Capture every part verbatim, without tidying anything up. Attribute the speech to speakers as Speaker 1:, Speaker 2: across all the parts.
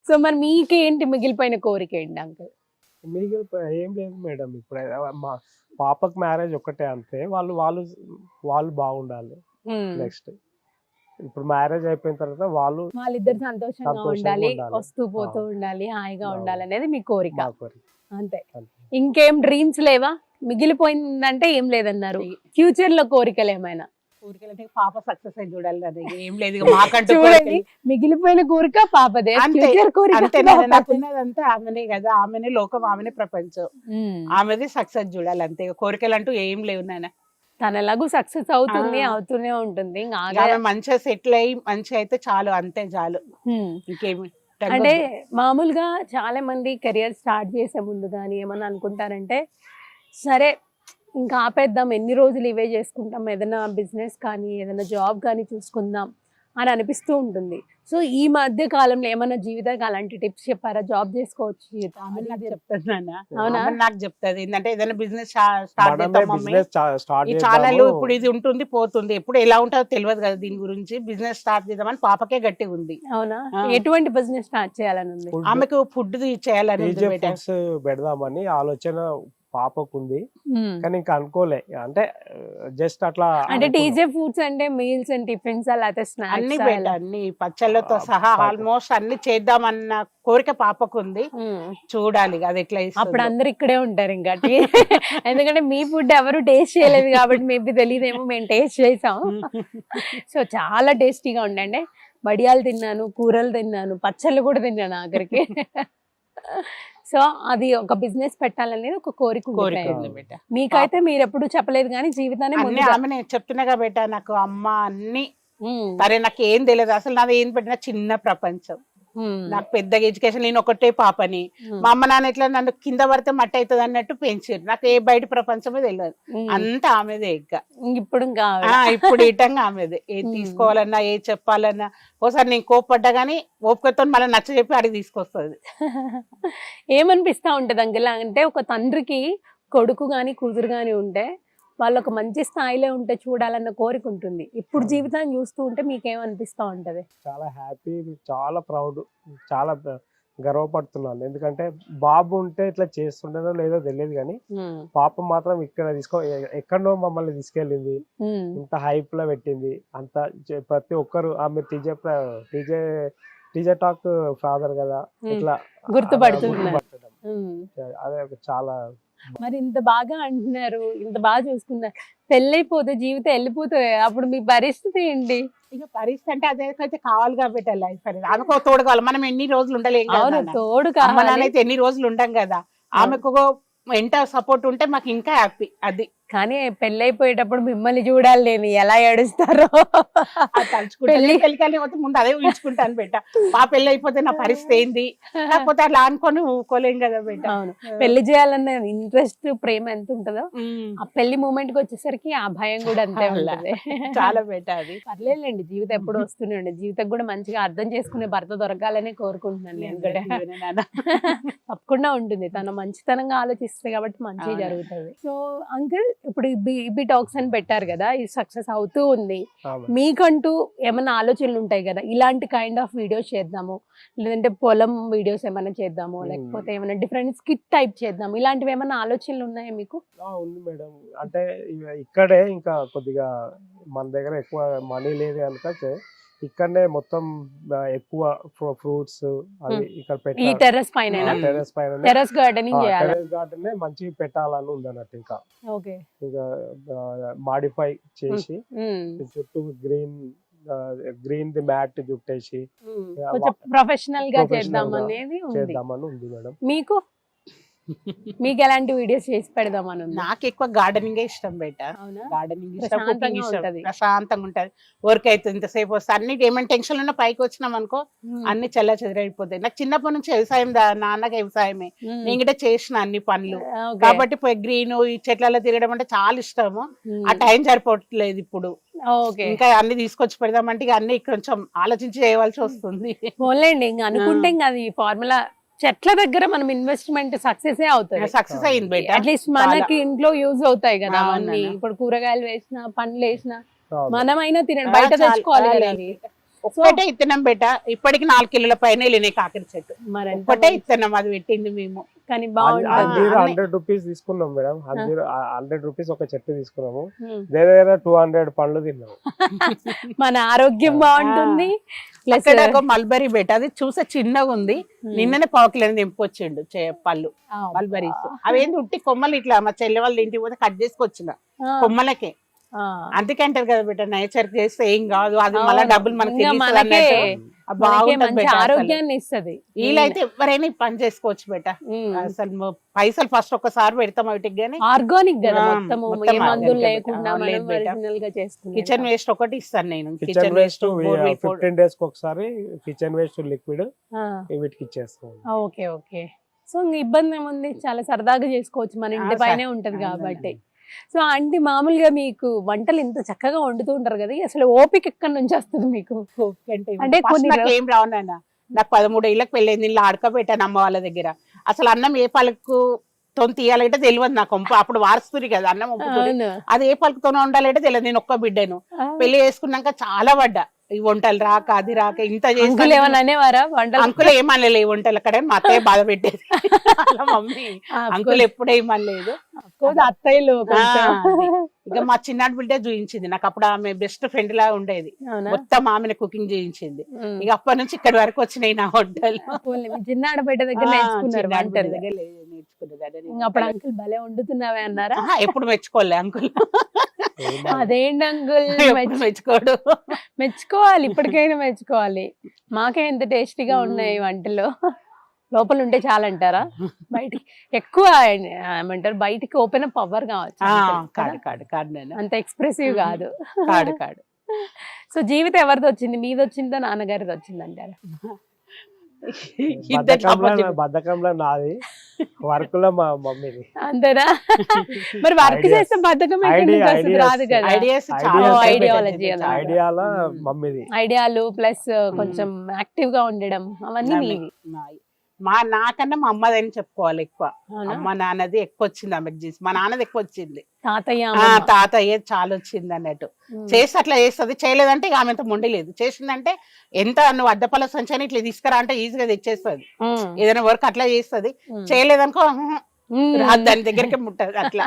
Speaker 1: So మరి మీకేంటి మిగిలిపోయిన కోరిక ఏంటి అంకుల్?
Speaker 2: మిగిలిపోయి ఏం లేదు మేడం. ఇప్పుడు మా పాపకి మ్యారేజ్ ఒక్కటే అంతే. వాళ్ళు వాళ్ళు వాళ్ళు బాగుండాలి. నెక్స్ట్ ఇప్పుడు మ్యారేజ్ అయిపోయిన తర్వాత వాళ్ళు
Speaker 1: వాళ్ళిద్దరు సంతోషంగా
Speaker 2: సంతోషంగా
Speaker 1: ఉండాలి,
Speaker 2: ఉండాలి.
Speaker 1: వస్తూ పోతూ
Speaker 2: ఆ.
Speaker 1: ఉండాలి, హాయిగా
Speaker 2: అవును.
Speaker 1: ఉండాలి అనేది మీ కోరిక.
Speaker 2: మా కోరిక.
Speaker 1: అంతే.
Speaker 2: అంతే.
Speaker 1: ఇంకేం డ్రీమ్స్ లేవా? మిగిలిపోయిందంటే ఏం లేదన్నారు. ఫ్యూచర్ లో కోరికలు ఏమైనా?
Speaker 3: ఊరికెళ్ళి పాప సక్సెస్ అయి చూడాలి. అది ఏం లేదు ఇక మాకంటూ
Speaker 1: చూడండి,
Speaker 3: కోరికలు.
Speaker 1: మిగిలిపోయిన కోరిక పాపదే,
Speaker 3: అంతే.
Speaker 1: ఫ్యూచర్ కోరిక
Speaker 3: అంతే
Speaker 1: పాపదే.
Speaker 3: నాకున్నదంతా ఆమెనే కదా, ఆమెనే లోకం, ఆమెనే ప్రపంచం,
Speaker 1: ఉమ్.
Speaker 3: ఆమెది సక్సెస్ చూడాలి అంతే. ఇక కోరికలు అంటూ ఏం లేవు నాన్న.
Speaker 1: తన ఎలాగూ సక్సెస్ అవుతుంది,
Speaker 3: ఆ.
Speaker 1: అవుతూనే ఉంటుంది. ఇంకా
Speaker 3: ఇక
Speaker 1: ఆగే-
Speaker 3: ఆమె మంచిగా సెటిల్ అయ్యి మంచిగా అయితే చాలు, అంతే చాలు.
Speaker 1: ఉమ్.
Speaker 3: ఇంకేమి
Speaker 1: అంటే మామూలుగా చాలా మంది కెరియర్ స్టార్ట్ చేసే ముందు కానీ ఏమన్నా అనుకుంటారంటే, సరే ఇంకా ఆపేద్దాం, ఎన్ని రోజులు ఇవే చేసుకుంటాం, ఏదైనా బిజినెస్ కానీ ఏదైనా జాబ్ కానీ చూసుకుందాం అని అనిపిస్తూ ఉంటుంది. సో ఈ మధ్య కాలంలో ఏమన్నా జీవితానికి అలాంటి టిప్స్ చెప్పారా? జాబ్ చేసుకోవచ్చు జీవితం
Speaker 3: ఆమె నాకు
Speaker 1: అది-
Speaker 3: చెప్తాది నాన్న.
Speaker 1: అవునా?
Speaker 3: ఆమె నాకు చెప్తాది ఏంటంటే ఏదైనా బిజినెస్ స్టార్ట్
Speaker 2: మనమే
Speaker 3: చేద్దాం మమ్మీ,
Speaker 2: బిజినెస్ స్టార్ట్
Speaker 3: ఈ ఛానల్
Speaker 2: చేద్దాము.
Speaker 3: ఇప్పుడు ఇది ఉంటుంది పోతుంది, ఎప్పుడు ఎలా ఉంటుందో తెలియదు కదా, దీని గురించి బిజినెస్ స్టార్ట్ చేద్దామని పాపకే గట్టిగా ఉంది.
Speaker 1: అవునా?
Speaker 3: ఆ.
Speaker 1: ఎటువంటి బిజినెస్ స్టార్ట్ చేయాలని ఉంది?
Speaker 2: Food-
Speaker 3: ఆమెకు ఫుడ్ చేయాలని ఉంది
Speaker 2: డీజే
Speaker 3: బేట.
Speaker 2: ఫుడ్స్ పెడదామని ఆలోచన పాపకు ఉంది.
Speaker 1: ఉమ్.
Speaker 2: కానీ ఇంకా అనుకోలే, అంటే జస్ట్ అట్లా
Speaker 1: అంటే
Speaker 2: అనుకున్నాం.
Speaker 1: టీజే ఫుడ్స్ అంటే మీల్స్ అండ్ టిఫిన్స్ లేకపోతే
Speaker 3: అన్ని
Speaker 1: స్నాక్స్?
Speaker 3: బేట, అన్ని పచ్చళ్ళతో
Speaker 2: ఆ,
Speaker 3: సహా
Speaker 2: పాప.
Speaker 3: ఆల్మోస్ట్ అన్ని చేద్దామన్న కోరిక పాపకు ఉంది. చూడాలి ఇక అది ఎట్లా ఇస్తుందో.
Speaker 1: అప్పుడు అందరు ఇక్కడే ఉంటారు ఇంకా టీ- ఎందుకంటే మీ ఫుడ్ ఎవరు టేస్ట్ చేయలేదు కాబట్టి మేబీ తెలియదేమో, మేము టేస్ట్ చేసాం. సో చాలా టేస్టీగా ఉండండి. వడియాలు తిన్నాను, కూరలు తిన్నాను, పచ్చళ్ళు కూడా తిన్నాను ఆఖరికి. సో అది ఒక బిజినెస్ పెట్టాలనేది ఒక కోరిక
Speaker 3: కోరిక
Speaker 1: ఉండిపోయింది.
Speaker 3: ఉంది బేట.
Speaker 1: మీకైతే మీరు ఎప్పుడు చెప్పలేదు కానీ జీవితాన్ని
Speaker 3: అన్ని
Speaker 1: ముందుగా-
Speaker 3: ఆమె నేను చెప్తున్నాగా బేట, నాకు అమ్మ అన్ని
Speaker 1: ఉమ్,
Speaker 3: సరే, నాకు ఏం తెలియదు అసలు, నాది ఏం పెట్టినా చిన్న ప్రపంచం.
Speaker 1: ఉమ్,
Speaker 3: నాకు పెద్దగా ఎడ్యుకేషన్, నేను ఒకటే పాపని,
Speaker 1: ఉమ్,
Speaker 3: మా అమ్మ నాన్న ఎట్లా నన్ను కింద పడితే మట్టి అవుతుంది అన్నట్టు పెంచారు. నాకు ఏ బయట ప్రపంచమే తెలియదు,
Speaker 1: ఉమ్.
Speaker 3: అంతా ఆమెదే. ఇంకా
Speaker 1: ఇప్పుడు ఇంకా
Speaker 3: ఆ, ఇప్పుడు ఇటంగా ఆమెదే. ఏది
Speaker 1: ఉమ్.
Speaker 3: తీసుకోవాలన్నా ఏ చెప్పాలన్నా, ఓసారి నేను కోప్పడ్డా గానీ ఓపికతో మళ్ళీ నచ్చ చెప్పి అడిగి తీసుకొస్తుంది.
Speaker 1: ఏమనిపిస్తా ఉంటది అంకుల్ అంటే, ఒక తండ్రికి కొడుకు గాని కూతురు గాని ఉంటే వాళ్ళు ఒక మంచి స్థాయిలో ఉంటే చూడాలన్న కోరిక ఉంటుంది. ఇప్పుడు జీవితాన్ని చూస్తూ ఉంటే మీకేమనిపిస్తా ఉంటది?
Speaker 2: చాలా హ్యాపీ, చాలా ప్రౌడ్, చాలా బ- గర్వపడుతున్నాను. ఎందుకంటే బాబు ఉంటే ఇట్లా చేస్తుండేదో లేదో తెలియదు, కానీ
Speaker 1: ఉమ్,
Speaker 2: పాప మాత్రం ఇక్కడ తీసుకో ఎ- ఎక్కడనో మమ్మల్ని తీసుకెళ్ళింది,
Speaker 1: ఉమ్,
Speaker 2: ఇంత హైప్ లో పెట్టింది. అంత చే- ప్రతి ఒక్కరు ఆమె T J T J T J talk father కదా,
Speaker 1: ఉమ్.
Speaker 2: ఇట్లా
Speaker 1: గుర్తుపడుతున్నారు.
Speaker 2: గుర్తుపట్టడం.
Speaker 1: ఉమ్.
Speaker 2: అదే ఒక చాలా
Speaker 1: మరి ఇంత బాగా అంటున్నారు, ఇంత బాగా చూసుకున్నారు, పెళ్ళైపోతే జీవితం వెళ్ళిపోతుంది, అప్పుడు మీ పరిస్థితి ఏంటి?
Speaker 3: ఇక పరిస్థితి అంటే అదేకైతే కావాలి కాబట్టి లైఫ్ అనేది, ఆమెకు ఒక తోడు కావాలి. మనం ఎన్ని రోజులు ఉండలేం కదా
Speaker 1: అవును,
Speaker 3: నాన్న.
Speaker 1: తోడు
Speaker 3: అమ్మ నాన్న
Speaker 1: కావాలి.
Speaker 3: అయితే ఎన్ని రోజులు ఉండం కదా, ఆమెకు ఒక ఎంత సపోర్ట్ ఉంటే మాకు ఇంకా హ్యాపీ. అది
Speaker 1: కానీ పెళ్ళైపోయేటప్పుడు మిమ్మల్ని చూడాలి నేను ఎలా ఏడుస్తారో.
Speaker 3: అది తలుచుకుంటే
Speaker 1: పెళ్లి-
Speaker 3: పెళ్ళికల్ని పోతే ముందు అదే ఊహించుకుంటాను బేట, మా పెళ్ళి అయిపోతే నా పరిస్థితి ఏంది, కాకపోతే అట్లా అనుకొని ఊకోలేం కదా బేట.
Speaker 1: అవును, పెళ్లి చేయాలన్న ఇంట్రెస్ట్, ప్రేమ ఎంత ఉంటుందో
Speaker 3: ఉమ్.
Speaker 1: ఆ పెళ్లి మూమెంట్ కి వచ్చేసరికి ఆ భయం కూడా అంతే
Speaker 3: అలా.
Speaker 1: ఉంటుంది.
Speaker 3: చాలా బేట అది.
Speaker 1: పర్లేదులేండి, జీవితం ఎప్పుడు వస్తూనే ఉండే, జీవితం కూడా మంచిగా అర్థం చేసుకునే భర్త దొరకాలనే కోరుకుంటున్నాను నేను కూడా.
Speaker 3: ఇవన్నీ నాన్న.
Speaker 1: తప్పకుండా ఉంటుంది, తన మంచితనంగా ఆలోచిస్తుంది కాబట్టి మంచిగా
Speaker 3: అవును.
Speaker 1: జరుగుతుంది. సో అంకుల్, ఇప్పుడు బీబీ టాక్స్ అని పెట్టారు కదా, ఇది సక్సెస్ అవుతూ ఉంది.
Speaker 2: ఆమె.
Speaker 1: మీకంటూ ఏమైనా ఆలోచనలు ఉంటాయి కదా, ఇలాంటి కైండ్ ఆఫ్ వీడియోస్ చేద్దాము, లేదంటే పొలం వీడియోస్ ఏమైనా చేద్దాము,
Speaker 2: Hmm.
Speaker 1: లేకపోతే ఏమైనా డిఫరెంట్ స్కిట్ టైప్ చేద్దాము, ఇలాంటివి ఏమైనా ఆలోచనలు ఉన్నాయా మీకు?
Speaker 2: ఆ, ఉంది మేడం. అంటే ఇవ- ఇక్కడే ఇంకా కొద్దిగా మన దగ్గర ఎక్కువ మనీ లేదు కనుక చే- ఇక్కడనే మొత్తం ఆ, ఎక్కువ ఫ్రూట్స్ అవి
Speaker 1: Hmm.
Speaker 2: ఇక్కడ
Speaker 1: ఈ
Speaker 2: పెట్టాలి.
Speaker 1: టెర్రస్ పైన
Speaker 3: Hmm.
Speaker 2: టెరెస్ పైన
Speaker 1: టెర్రస్ గార్డెనింగ్ చేయాలి.
Speaker 2: టెరెస్ గార్డెన్ మంచి పెట్టాలని ఉంది అన్నట్టు. ఇంకా
Speaker 1: ఓకే.
Speaker 2: ఇంకా మాడిఫై చేసి
Speaker 1: ఉమ్.
Speaker 2: చుట్టూ గ్రీన్ గ్రీన్ ది మ్యాట్ చుట్టేసి
Speaker 1: కొంచెం ప్రొఫెషనల్ గా
Speaker 2: Professional
Speaker 1: చేద్దాం
Speaker 2: గా
Speaker 1: అనేది ఉంది.
Speaker 2: చేద్దామని ఉంది మేడం.
Speaker 1: మీకు మీకు ఎలాంటి వీడియోస్ చేసి పెడదామని ఉంది?
Speaker 3: నాకు ఎక్కువ గార్డెనింగ్ ఇష్టం బేట.
Speaker 1: అవునా?
Speaker 3: గార్డెనింగ్ ఇష్టం,
Speaker 1: ప్రశాంతంగా
Speaker 3: కుకింగ్ ఇష్టం,
Speaker 1: ఉంటది.
Speaker 3: ప్రశాంతంగా ఉంటది. వర్క్ అయితే ఇంతసేపు వస్తే అన్ని ఏమైనా టెన్షన్ ఉన్నా పైకి వచ్చినాం అనుకో
Speaker 1: ఉమ్.
Speaker 3: అన్ని చల్ల చెదరైపోతాయి. నాకు చిన్నప్పటి నుంచి వ్యవసాయం, దా- నాన్నకి వ్యవసాయమే,
Speaker 1: ఉమ్.
Speaker 3: నేను కూడా చేసిన అన్ని పనులు
Speaker 1: ఓకే.
Speaker 3: కాబట్టి గ్రీన్ ఈ చెట్లలో తిరగడం అంటే చాలా ఇష్టము.
Speaker 1: ఉమ్.
Speaker 3: ఆ టైం సరిపోవట్లేదు ఇప్పుడు.
Speaker 1: ఓకే.
Speaker 3: ఇంకా అన్ని తీసుకొచ్చి పెడదామంటే ఇక అన్ని కొంచెం ఆలోచించి చేయవలసి వస్తుంది.
Speaker 1: పోన్లేండి, ఇంకా అనుకుంటే ఇంకా అది ఫార్ములా. చెట్ల దగ్గర మనం ఇన్వెస్ట్మెంట్ సక్సెస్ అవుతుంది.
Speaker 3: సక్సెస్ అయింది బేట.
Speaker 1: అట్లీస్ట్ మనకి ఇంట్లో యూజ్ అవుతాయి కదా
Speaker 3: అవును
Speaker 1: అవన్నీ.
Speaker 3: నాన్న.
Speaker 1: ఇప్పుడు కూరగాయలు వేసినా, పండ్లు వేసినా
Speaker 2: అవును.
Speaker 1: మనమైనా తినండి,
Speaker 3: ఆ,
Speaker 1: బయట
Speaker 3: చాలా-
Speaker 1: తెచ్చుకోవాలి
Speaker 3: చాలా
Speaker 1: కదా అవి.
Speaker 3: ఒక్కటే ఇత్తనం బెట ఇప్పటికి నాలుగు కిలోల పైన వెళ్ళినాయి కాకర చెట్టు.
Speaker 1: మరి ఎంత
Speaker 3: ఒక్కటే
Speaker 1: మంచి-
Speaker 3: ఇత్తనం అది పెట్టింది మేము.
Speaker 1: కానీ
Speaker 3: ఆ,
Speaker 1: బాగుంటుంది
Speaker 2: అంజీర్
Speaker 3: అన్నీ-
Speaker 2: హండ్రెడ్ రూపీస్ తీసుకున్నాం మేడం. అంజీర్ హండ్రెడ్ రూపీస్ ఒక చెట్టు తీసుకున్నాము.
Speaker 1: ఉమ్.
Speaker 2: దగ్గర టూ హండ్రెడ్ పండ్లు తిన్నాము.
Speaker 1: మన ఆరోగ్యం బాగుంటుంది ప్లస్
Speaker 3: అక్కడ ఒక మల్బరీ బెట అది చూసే చిన్నగా ఉంది. నిన్ననే పావు కిలో నింపుకొచ్చిండు చే- పళ్ళు మల్బరీస్. అవేంటి ఉట్టి కొమ్మలు ఇట్లా మా చెల్లె వాళ్ళ ఇంటికి పోతే కట్ చేసుకొచ్చిన కొమ్మలకే. అందుకే అంటారు కదా బిడ్డ నేచర్ చేస్తే ఏం కాదు, అది మళ్ళీ డబ్బులు మనకి తెలుస్తుంది అన్నట్టు. అది బాగుంటది
Speaker 1: మంచి
Speaker 3: బెట. అసలు
Speaker 1: ఆరోగ్యాన్ని ఇస్తది
Speaker 3: వీలైతే ఎవరైనా ఈ పని చేసుకోవచ్చు బెట. అసలు మ- పైసలు ఫస్ట్ ఒక్కసారి పెడతాం వాటికి గానీ
Speaker 1: ఆర్గానిక్ కదా
Speaker 3: ఆ,
Speaker 1: మొత్తము
Speaker 3: మొత్తం
Speaker 1: ఏ మందులు
Speaker 3: organic
Speaker 1: లేకుండా
Speaker 3: ఆ,
Speaker 1: మనం
Speaker 3: లేదు బెట.
Speaker 1: ఒరిజినల్ గా చేస్తుంది
Speaker 3: కిచెన్ వేస్ట్ ఒకటి ఇస్తాను నేను.
Speaker 2: కిచెన్ వేస్ట్ ఫిఫ్టీన్ డేస్ కి ఒకసారి కిచెన్ వేస్ట్ లిక్విడ్ వీటికి ఇచ్చేస్తాం.
Speaker 1: ఓకే ఓకే సో ఇంక ఇబ్బంది ఏముంది, చాలా సరదాగా చేసుకోవచ్చు, మన ఇంటి
Speaker 3: ఆ,
Speaker 1: పైనే
Speaker 3: సరే.
Speaker 1: ఉంటది
Speaker 3: ఆ,
Speaker 1: కాబట్టి. సో ఆంటీ మామూలుగా మీకు వంటలు ఇంత చక్కగా వండుతూ ఉంటారు కదా, అసలు ఓపిక ఎక్కడి నుంచి వస్తుంది మీకు? అంటే
Speaker 3: అంటే
Speaker 1: కొన్ని
Speaker 3: నాకు
Speaker 1: రో-
Speaker 3: ఏం రావు నాన్న. నాకు పదమూడు ఏళ్ళకి పెళ్ళైంది, ఇలా ఆడకబెట్టాను అమ్మ వాళ్ళ దగ్గర. అసలు అన్నం ఏ పలుకు తొని తీయాలంటే తెలియదు నాకు. వంపు అప్పుడు వారసుతుంది కదా అన్నం వంపుతుంది.
Speaker 1: అవును.
Speaker 3: అది ఏ పలుకుతోనే ఉండాలంటే తెలియదు. నేను ఒక్క బిడ్డను
Speaker 1: ఆ.
Speaker 3: పెళ్లి చేసుకున్నాక చాలా పడ్డా. ఈ వంటలు రాక అది రాక ఇంత
Speaker 1: అంకుల్
Speaker 3: చేసి
Speaker 1: ఏమన్నా అనేవారా వంటలు?
Speaker 3: అంకుల్ ఏమనలే ఈ వంటలు అక్కడ మా అత్తయ్య బాధ పెట్టేది. అలా మమ్మీ అంకుల్ ఎప్పుడే ఏమనలేదు.
Speaker 1: అత్తయ్యలు కొంచెం.
Speaker 3: ఆ, అది. ఇక మా చిన్నాడు బిడ్డ చూయించింది నాకు. అప్పుడు ఆమె బెస్ట్ ఫ్రెండ్ లా ఉండేది.
Speaker 1: అవునా?
Speaker 3: మొత్తం ఆమెను కుకింగ్ చేయించింది.
Speaker 1: ఉమ్.
Speaker 3: ఇక అప్పటి నుంచి ఇక్కడి వరకు వచ్చినాయి నా వంటలు.
Speaker 1: పోన్లే, మీ చిన్న ఆడబిడ్డ దగ్గర
Speaker 3: ఆ,
Speaker 1: నేర్చుకున్నారు
Speaker 3: చిన్నాడు బిడ్డ
Speaker 1: వంటలు.
Speaker 3: దగ్గర లే- నేర్చుకున్నదాన్ని నేను.
Speaker 1: ఇంక అప్పుడు అంకుల్ భలే వండుతున్నావే అన్నారా?
Speaker 3: ఆహా, ఎప్పుడు మెచ్చుకోలే అంకుల్.
Speaker 1: అదేంటి అంకుల్
Speaker 3: ఎప్పుడు మెచ్చుకోడు.
Speaker 1: మెచ్చుకోవాలి, ఇప్పటికైనా మెచ్చుకోవాలి. మాకే ఎంత టేస్టీగా ఉన్నాయి వంటలు. లోపల ఉంటే చాలంటారా? బయటికి ఎక్కువ ఏమంటారు, బయటికి ఓపెన్ అప్ పవర్ కావచ్చు
Speaker 3: ఆ,
Speaker 1: అంతే
Speaker 3: కాడు
Speaker 1: కదా?
Speaker 3: కాడు కాడు నేను
Speaker 1: అంత ఎక్స్ప్రెసివ్ కాదు.
Speaker 3: కాడు కాడు.
Speaker 1: సో జీవితం ఎవరిది వచ్చింది, మీది వచ్చిందా నాన్నగారిది వచ్చింది అంటారా?
Speaker 3: ఇద్దరు
Speaker 2: బద్ధకంలో
Speaker 3: చప్పట్లు.
Speaker 2: బద్ధకంలో నాది, వర్క్ లో మా మమ్మీది.
Speaker 1: అంతేనా? మరి వర్క్
Speaker 2: Ideas.
Speaker 1: చేస్తే బద్ధకం ఎక్కడి నుంచి
Speaker 2: Idea-
Speaker 1: వస్తుంది?
Speaker 2: ideas.
Speaker 1: రాదు కదా.
Speaker 3: ఐడియాస్
Speaker 2: Ideas
Speaker 3: చాలా
Speaker 2: అంటే
Speaker 3: ఉంటాయి
Speaker 1: ideology
Speaker 3: బెట.
Speaker 1: అన్నమాట.
Speaker 2: ఐడియాలో
Speaker 3: ఉమ్.
Speaker 2: మమ్మీది.
Speaker 1: ఐడియాలు ప్లస్ కొంచెం యాక్టివ్ గా ఉండడం అవన్నీ
Speaker 3: నమ్మి-
Speaker 1: మీవి.
Speaker 3: నాయి. మా నాకన్నా మా అమ్మదని చెప్పుకోవాలి ఎక్కువ.
Speaker 1: అవునా?
Speaker 3: అమ్మ నాన్నది ఎక్కువ వచ్చింది ఆమెకు చేసి. మా నాన్నది ఎక్కువ వచ్చింది.
Speaker 1: తాతయ్య
Speaker 3: ఆ
Speaker 1: అమ్మమ్మ.
Speaker 3: తాతయ్య చాలా వచ్చింది అన్నట్టు.
Speaker 1: ఉమ్.
Speaker 3: చేసి అట్లా చేస్తుంది, చేయలేదంటే ఇక ఆమె అంత మొండలేదు. చేసిందంటే ఎంత నువ్వు అద్దపల్ల సంచని ఇట్లా తీసుకురా అంటే ఈజీగా తెచ్చేస్తుంది.
Speaker 1: ఉమ్.
Speaker 3: ఏదైనా వర్క్ అట్లా చేస్తుంది.
Speaker 1: ఉమ్.
Speaker 3: చేయలేదనుకో "ఉహు,
Speaker 1: ఉమ్.
Speaker 3: రాదు", దాని దగ్గరికి ముట్టదు అట్లా.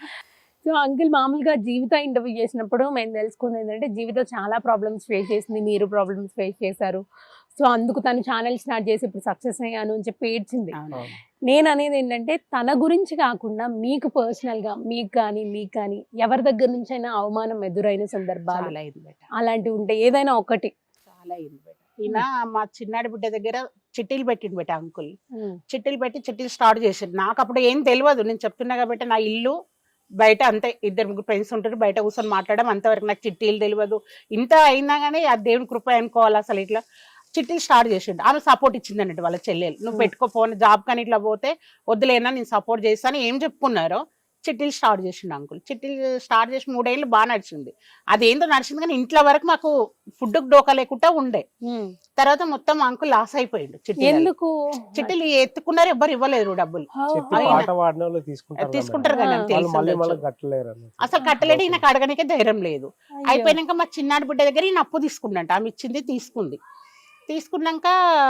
Speaker 1: సో అంకుల్ మామూలుగా జీవిత ఇంటర్వ్యూ చేసినప్పుడు మేము తెలుసుకుంది ఏంటంటే జీవితం చాలా ప్రాబ్లమ్స్ ఫేస్ చేసింది, మీరు ప్రాబ్లమ్స్ ఫేస్ చేశారు. సో అందుకు తను ఛానల్ స్టార్ట్ చేసి ఇప్పుడు సక్సెస్ అయ్యాను అని చెప్పి ఏడ్చింది.
Speaker 3: అవును.
Speaker 1: నేను అనేది ఏంటంటే తన గురించి కాకుండా మీకు పర్సనల్ గా మీకు కానీ మీకు కానీ ఎవరి దగ్గర నుంచి అయినా అవమానం ఎదురైన సందర్భాలు
Speaker 3: చాలా అయింది బేట,
Speaker 1: అలాంటివి ఉంటే ఏదైనా ఒకటి.
Speaker 3: చాలా అయింది బేట. ఈయన మా చిన్నాడి బిడ్డ దగ్గర చిట్టీలు పెట్టిండు బేట అంకుల్.
Speaker 1: ఉమ్.
Speaker 3: చిట్టీలు పెట్టి చిట్టీలు స్టార్ట్ చేసిండు. నాకు అప్పుడు ఏం తెలియదు. నేను చెప్తున్నా కాబట్టి నా ఇల్లు బయట అంతే, ఇద్దరు ముగ్గురు ఫ్రెండ్స్ ఉంటారు, బయట కూర్చొని మాట్లాడడం అంతవరకు. నాకు చిట్టీలు తెలియదు. ఇంత అయినా కానీ ఆ దేవుని కృప అనుకోవాలి. అసలు ఇట్లా చిట్టీలు స్టార్ట్ చేసిండు. ఆమె సపోర్ట్ ఇచ్చింది అన్నట్టు వాళ్ళ చెల్లెలు. నువ్వు పెట్టుకోపోని జాబ్ కానీ ఇట్లా పోతే వద్దులేనా నేను సపోర్ట్ చేస్తాను ఏం చెప్పుకున్నారో చిట్టీలు స్టార్ట్ చేసిండు అంకుల్. చిట్టీలు స్టార్ట్ చేసి మూడేళ్ళు బాగా నడిచింది. అదేందో నడిచింది కానీ ఇంట్లో వరకు మాకు ఫుడ్ డోకా లేకుండా ఉండే.
Speaker 1: ఉమ్.
Speaker 3: తర్వాత మొత్తం అంకుల్ లాస్ అయిపోయిండు. చిట్టీలు
Speaker 1: ఎందుకు?
Speaker 3: చిట్టీలు ఎత్తుకున్నారు, ఎవ్వరు ఇవ్వలేదు డబ్బులు.
Speaker 2: చెప్పి
Speaker 3: అయినా.
Speaker 2: పాట పాడిన వాళ్ళు తీసుకుంటారు కదా
Speaker 3: తీసుకుంటారు
Speaker 2: మేడం.
Speaker 3: కదా
Speaker 1: ఆ.
Speaker 3: అని
Speaker 2: వాళ్ళు మళ్ళీ
Speaker 3: తెలుసు.
Speaker 2: మళ్ళీ కట్టలేరు అన్నట్టు.
Speaker 3: అసలు కట్టలేడు, ఈయనకు అడగనికే ధైర్యం లేదు.
Speaker 1: అయ్యో.
Speaker 3: అయిపోయినాక మా చిన్నాడి బిడ్డ దగ్గర ఈయన అప్పు తీసుకుందంట. ఆమె ఇచ్చింది తీసుకుంది. తీసుకున్నాక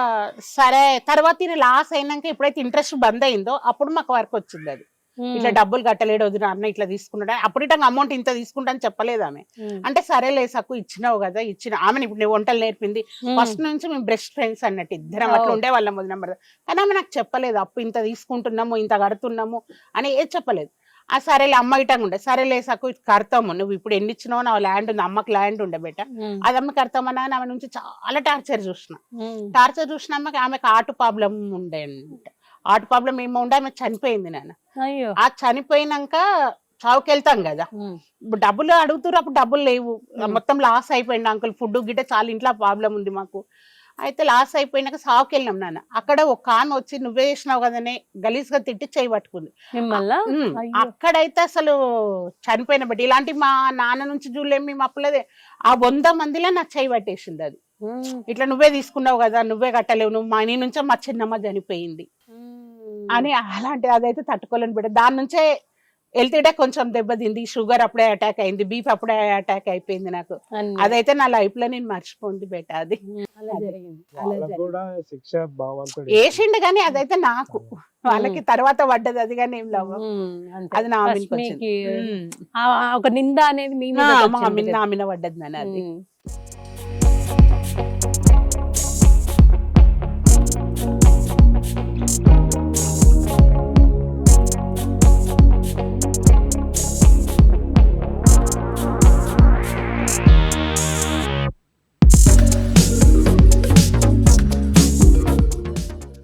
Speaker 3: సరే తర్వాత ఈయన లాస్ అయినాక ఎప్పుడైతే ఇంట్రెస్ట్ బంద్ అయిందో అప్పుడు మాకు వర్క్ వచ్చింది. అది
Speaker 1: ఉమ్.
Speaker 3: ఇట్లా డబ్బులు కట్టలేడు వదిన అన్న ఇట్లా తీసుకున్నాడు. అప్పుడు ఇట్లా అమౌంట్ ఇంత తీసుకుంటా అని చెప్పలేదు ఆమె.
Speaker 1: ఉమ్.
Speaker 3: అంటే సరేలే సక్కు ఇచ్చినావు కదా ఇచ్చిన. ఆమెను ఇప్పుడు నేను వంటలు నేర్పింది.
Speaker 1: ఉమ్.
Speaker 3: ఫస్ట్ నుంచి మేము బెస్ట్ ఫ్రెండ్స్ అన్నట్టు ఇద్దరం
Speaker 1: ఓ.
Speaker 3: అట్లా ఉండే వాళ్ళం వదిన నెంబర్. కానీ ఆమె నాకు చెప్పలేదు అప్పు ఇంత తీసుకుంటున్నాము ఇంత కడుతున్నాము అని ఏది చెప్పలేదు. ఆ సరేలే అమ్మ ఇటంగా ఉండే. సరేలే సక్కు కడతాము, నువ్వు ఇప్పుడు ఎన్ని ఇచ్చినావు, నా ల్యాండ్ ఉంది, అమ్మకి ల్యాండ్ ఉండే బెట,
Speaker 1: ఉమ్.
Speaker 3: అది అమ్మ కడతామన్నా అని ఆమె నుంచి చాలా టార్చర్ చూసిన.
Speaker 1: ఉమ్.
Speaker 3: టార్చర్ చూసిన అమ్మకి ఆమెకు ఆర్ట్ ప్రాబ్లం ఉండే అంట. ఆర్ట్ ప్రాబ్లం ఏమో ఉండే, ఆమె చనిపోయింది నాన్న.
Speaker 1: అయ్యో.
Speaker 3: ఆ చనిపోయినాక చావుకి వెళ్తాం కదా,
Speaker 1: ఉమ్.
Speaker 3: ఇప్పుడు డబ్బులు అడుగుతారు, అప్పుడు డబ్బులు లేవు.
Speaker 1: Hmm.
Speaker 3: మొత్తం లాస్ అయిపోయింది అంకుల్. ఫుడ్ గిట్ట చాలా ఇంట్లో ప్రాబ్లం ఉంది మాకు. అయితే లాస్ అయిపోయినాక సావుకి వెళ్ళినాం నాన్న. అక్కడ ఒక ఆమె వచ్చి నువ్వే చేసినావు కదనే గలీజ్ గా తిట్టి చేయి పట్టుకుంది.
Speaker 1: మిమ్మల్ని
Speaker 3: ఉమ్,
Speaker 1: అయ్యో.
Speaker 3: అక్కడైతే అసలు చనిపోయిన బట్టి ఇలాంటి మా నాన్న నుంచి చూడలేము మేము అప్పులదే. ఆ వంద మందిలో నా చేయి పట్టేసింది. అది
Speaker 1: ఉమ్.
Speaker 3: ఇట్లా నువ్వే తీసుకున్నావు కదా, నువ్వే కట్టలేవు, నువ్వు మా నీ నుంచే మా చిన్నమ్మ చనిపోయింది
Speaker 1: ఉమ్.
Speaker 3: అని. అలాంటి అదైతే తట్టుకోలేని బిడ్డ. దాని నుంచే హెల్త్ కూడా కొంచెం దెబ్బతింది, షుగర్ అప్పుడే అటాక్ అయింది, బీఫ్ అప్పుడే అటాక్ అయిపోయింది నాకు.
Speaker 1: అన్ని.
Speaker 3: అదైతే నా లైఫ్ లో నేను మర్చిపోంది బేట. అది
Speaker 1: ఉమ్, అలా
Speaker 3: అది.
Speaker 1: జరిగింది అలా
Speaker 2: వాళ్ళకు
Speaker 1: జరిగింది
Speaker 2: కూడా శిక్ష భగవంతుడు
Speaker 3: వేసిండు కానీ అదైతే నాకు, వాళ్ళకి తర్వాత పడ్డది అది కానీ ఏం లవ్.
Speaker 1: ఉమ్, అంతే.
Speaker 3: అది నా
Speaker 1: First
Speaker 3: మీదకి వచ్చింది.
Speaker 1: మీకు
Speaker 3: ఉమ్.
Speaker 1: ఆ- ఆ ఒక నింద అనేది మీ
Speaker 3: ఆ,
Speaker 1: మీద
Speaker 3: మా మీద నా మీద పడ్డది నాన్న అది.
Speaker 1: ఉమ్.